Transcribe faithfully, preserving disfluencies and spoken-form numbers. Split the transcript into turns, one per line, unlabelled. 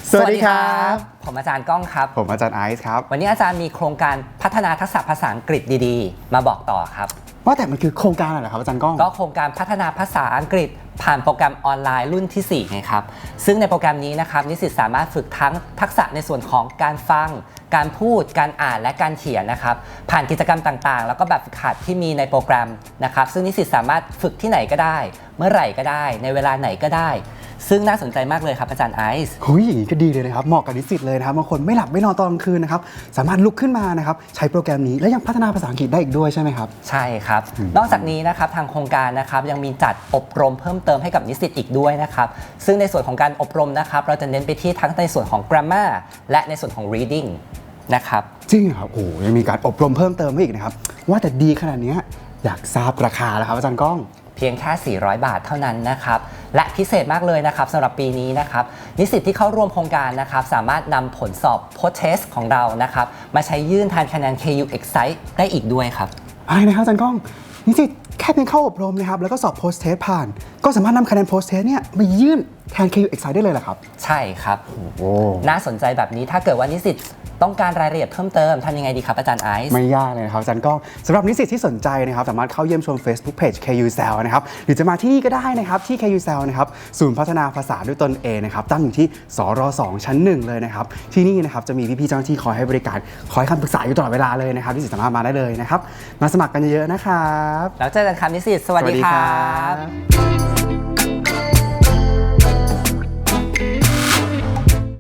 สวัสดีครับ
ผมอาจารย์ก้องครับ
ผมอาจารย์ไอซ์ครับ
วันนี้อาจารย์มีโครงการพัฒนาทักษะภาษาอังกฤษดีๆมาบอกต่อครับ
ว่าแต่มันคือโครงการอะไรครับอาจารย์ก้อง
ก็โครงการพัฒนาภาษาอังกฤษผ่านโปรแกรมออนไลน์รุ่นที่สี่ไงครับซึ่งในโปรแกรมนี้นะครับนิสิตสามารถฝึกทั้งทักษะในส่วนของการฟังการพูดการอ่านและการเขียนนะครับผ่านกิจกรรมต่างๆแล้วก็แบบฝึกหัดที่มีในโปรแกรมนะครับซึ่งนิสิตสามารถฝึกที่ไหนก็ได้เมื่อไหร่ก็ได้ในเวลาไหนก็ได้ซึ่งน่าสนใจมากเลยครับอาจารย์ไอซ์
หุยอย่างนี้ก็ดีเลยนะครับเหมาะกับนิสิตเลยนะครับบางคนไม่หลับไม่นอนตอนกลางคืนนะครับสามารถลุกขึ้นมานะครับใช้โปรแกรมนี้และยังพัฒนาภาษาอังกฤษได้อีกด้วยใช่ไหมครับ
ใช่ครับนอกจากนี้นะครับทางโครงการนะครับยังมีจัดอบรมเพิ่มเติมให้กับนิสิตอีกด้วยนะครับซึ่งในส่วนของการอบรมนะครับเราจะเน้นไปที่ทั้งในส่วนของ grammar และในส่วนของ reading นะครับ
จริงครับโอ้ยังมีการอบรมเพิ่มเติมให้อีกนะครับว่าแต่ดีขนาดนี้อยากทราบราคาแล้วครับอาจารย์ก้อง
เพียงแค่สี่ร้อยบาทเท่านั้นนะครับและพิเศษมากเลยนะครับสำหรับปีนี้นะครับนิสิตที่เข้าร่วมโครงการนะครับสามารถนำผลสอบ post test ของเรานะครับมาใช้ยื่นแทนคะแนน เค ยู Excite ได้อีกด้วยครับ
อะไรนะครับอาจารย์ก้องนิสิตแค่เพียงเข้าอบรมนะครับแล้วก็สอบ post test ผ่านก็สามารถนำคะแนน post test เนี่ยมายื่นแทน เค ยู Excite ได้เลยเหรอครับ
ใช่ครับ
โอ้
น่าสนใจแบบนี้ถ้าเกิดว่านิสิตต้องการรายละเอียดเพิ่มเติมทำยังไงดีครับอาจารย์ไอซ์
ไม่ยากเลยนะครับอาจารย์ก้องสำหรับนิสิตที่สนใจนะครับสามารถเข้าเยี่ยมชม Facebook Page เค ยู แซล นะครับหรือจะมาที่นี่ก็ได้นะครับที่ เค ยู แซล นะครับศูนย์พัฒนาภาษาด้วยตนเองนะครับตั้งอยู่ที่สรสองชั้นหนึ่งเลยนะครับที่นี่นะครับจะมีพี่ๆเจ้าหน้าที่คอยให้บริการคอยคำปรึกษาอยู่ตลอดเวลาเลยนะครับนิสิตสามารถมาได้เลยนะครับมาสมัครกันเยอะๆนะครับ
แล้วเจอกันครับนิสิตสวัสดีครับ